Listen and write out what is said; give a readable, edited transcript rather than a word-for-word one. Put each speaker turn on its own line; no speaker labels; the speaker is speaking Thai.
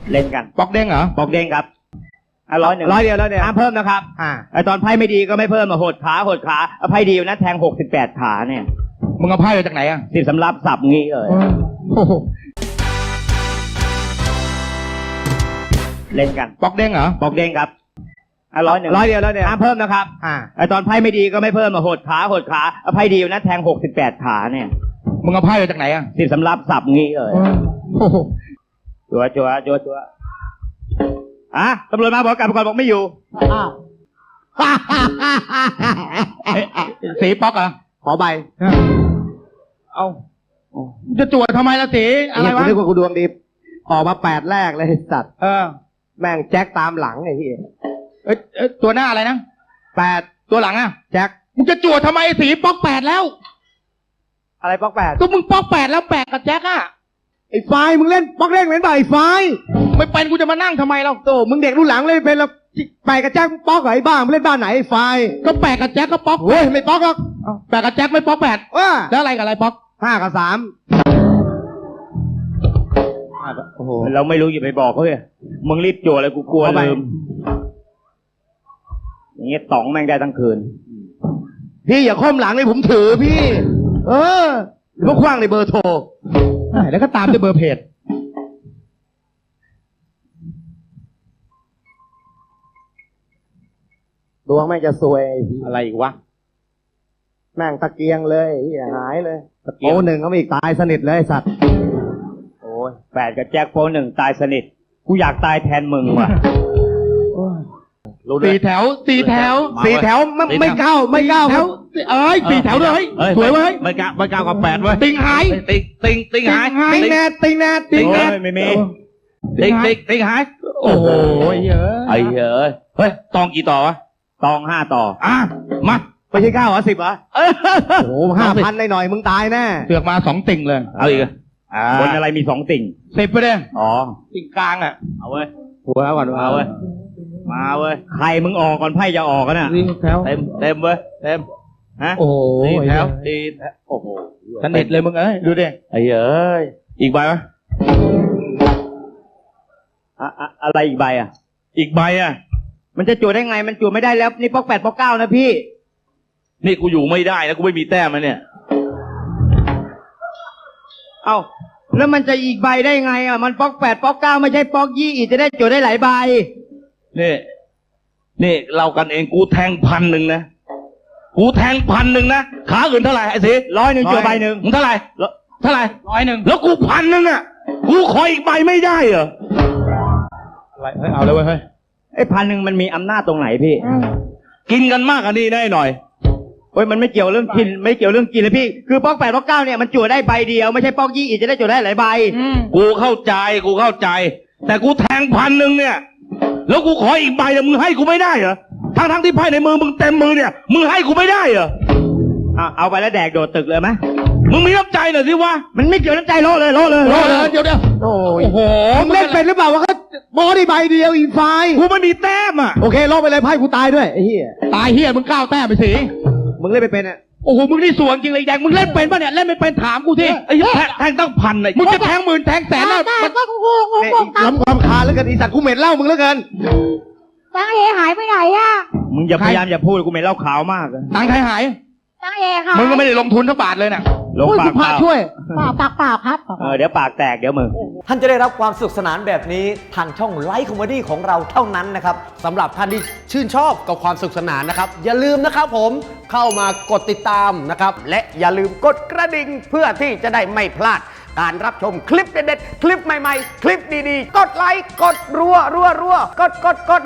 เล่นกัน
ปอกเด้งเหรอ
ปอกเด้งครับ100
ร้อยเดียว
ห้ามเพิ่มนะครับไอตอนไพ่ไม่ดีก็ไม่เพิ่มมาหดขาไพ่ดีนะแทง68ขาเนี่ย
มึงเอาไพ่มาจากไหนอ่ะ
สิสำรับสับงี้เลยเล่นกัน
ปอกเด้งเหรอ
ปอกเด้งครับ100
ร้อยเดียว
ห้ามเพิ่มนะครับไอตอนไพ่ไม่ดีก็ไม่เพิ่มมาหดขาไพ่ดีนะแทง68ขาเนี่ย
มึงเอาไพ่มาจากไหนอ่ะ
สิสำรับสับงี้เลยจัวตำรวจมาบอกกลับไปก่อนบอกไม่อยู่
สีป๊อกเหรอ
ขอใบ
เอาจะจวดทำไมล่ะสีอะไรวะ
กูนึกว่ากูดวงดีออกมา8แรกเลยสัตว์แม่งแจ็คตามหลังไอ้ที่
ตัวหน้าอะไรนะ
8
ตัวหลังอ่ะ
แจ็ค
มึงจะจวดทำไมสีป๊อก8แล้ว
อะไรป๊อก8
ก็มึงป๊อก8แล้ว8กับแจ็คอ่ะ
ไอ้ไฟมึงเล่นป๊อกเล่นเหมือนบ่ไอ้ไฟ
ไม่เป็นกูจะมานั่งทำไมเรา
โตมึงเด็กรุ่นหลังเล่นเป็นแล้ว8กับแจ็คป๊อกไอ้บ้ามึงเล่นบ้านไหนไอ้ไฟ
ก็8กับแจ็คก็ป๊อก
เฮ้ยไม่ป๊อกหรอก
8กับแจ็คไม่ป๊อก8แล้วอะไรกับอะไรป๊อก
5กับ3
โอ้โหเราไม่รู้อย่าไปบอกเขาเลยมึงรีบจั่วเลยกูกลัวลืมอย่างเงี้ยต๋องแม่งได้ทั้งคืน
พี่อย่าค้อมหลังเลยผมถือพี่พวกคว้างในเบอร์โทร
แล้วก็ตามด้วยเบอร์เพจ
ดวงแม่งจะซวย
อะไรอีกวะ
แม่งตะเกียงเลยหายเลยโอ้1เขาอีกตายสนิทเลยสัตว์
โอ้ย8กับแจ็คโป1ตายสนิทกูอยากตายแทนมึงว่ะ
4 แถว
ไม่ก้าว
แถว4 แถวเลยสวยเว้ย
ไม่ก้าวกับ8เว้ย
ติงหาย
ติงหาย
ติงแนท
ไม่มีติงหาย
โอ้โห
เฮ้ยตองกี่ต่อวะตอง5 ต่อ
มา
ไม่ใช่9 เหรอ 10 เหรอโอ้ 5,000 หน่อยมึงตายแน่
เสือกมา2 ติ่งเลย
เอาอีกบนอะไรมี2 ติ่ง
10ไปเลย
ติ่งกลางอ่ะเอาเว้ย
หัวก่อน
เอาเว้ยมาเว้ยใครมึงออกก่อนไพ่จะออกกันน่ะเต็มเว้ยเต็มฮะ
โอ้โห
4 แถวโอ้โห
สนิทเลยมึงดูดิ
อีกใบไหมอะไรอีกใบอ่ะอีกใบอ่ะมันจะจั่วได้ไงมันจั่วไม่ได้แล้วนี่ป๊อก8ป๊อก9นะพี่นี่กูอยู่ไม่ได้นะกูไม่มีแต้มนะเนี่ยเอ้าแล้วมันจะอีกใบได้ไงอ่ะมันป๊อก8ป๊อก9ไม่ใช่ป๊อก20อีกจะได้จั่วได้หลายใบนี่เรากันเองกูแทง1,000นะกูแทง1,000นะขาอื่นเท่าไหร่ไอ้สิ100จั่วใบ1มึงเท่าไหร่100แล้วกู1,000อ่ะกูขออีกใบไม่ได้เหรอ
อะไรเอาเลยเว้ย
ไอ้1,000มันมีอำนาจตรงไหนพี่กินกันมากอันนี้ได้หน่อยโอ้ยมันไม่เกี่ยวเรื่องกินไม่เกี่ยวเรื่องกินเลยพี่คือป๊อก8ป๊อก9เนี่ยมันจั่วได้ใบเดียวไม่ใช่ป๊อก20อีกจะได้จั่วได้หลายใบกูเข้าใจแต่กูแทง1,000เนี่ยแล้วกูขออีกใบมึงให้กูไม่ได้เหรอทั้งที่ไพ่ในมือมึงเต็มมือเนี่ยมึงให้กูไม่ได้เหรอเอาไปแล้วแดกโดดตึกเลยไหมมึงมีน้ำใจหน่อยสิวะมันไม่เกี่ยวน้ำใจโลเลยเดี๋ยว
โอ้โหมึงเล่นเป็นหรือเปล่าวะเขาบอได้ใบเดียวอีกไฟ
กูไม่มีแต้มอ่ะ
โอเคลบไปเลยไพ่กูตายด้วยไอ้เหี้ย
ตายเหี้ยมึง9 แต้มไปสิ
มึงเล่นไม่เป็นอ่ะ
โอ้โหมึงนี่สวนจริงเลยแดงมึงเล่นเป็นป่ะเนี่ยเล่นไม่เป็นถามกูสิ
ไอ้แทงตั้ง1,000เลย
มึงจะแทง10,000แทง100,000แล้ว
ล้ำความคาแล้วกันอีสัตว์กูเหม็นเหล้ามึงแล้วกัน
ตังเอหายไปไหนอ่ะ
มึงอย่าพยายามอย่าพูดกูเหม็นเหล้าขาวมาก
ตังใครหาย
ตังเอค่ะ
มึงก็ไม่ได้ลงทุนสักบาทเลยน่ะ
ลงปากเปล่า
ช่วย
ปากครับ
เดี๋ยวปากแตกเดี๋ยวมึง
ท่านจะได้รับความสนุกสนานแบบนี้ทางช่องไลฟ์คอมเมดี้ของเราเท่านั้นนะครับ
สำหรับท่านที่ชื่นชอบกับความสนุกสนานนะครับอย่าลืมนะครับผมเข้ามากดติดตามนะครับและอย่าลืมกดกระดิ่งเพื่อที่จะได้ไม่พลาดการรับชมคลิปเด็ดๆคลิปใหม่ๆคลิปดีๆกดไลค์กดรัวกด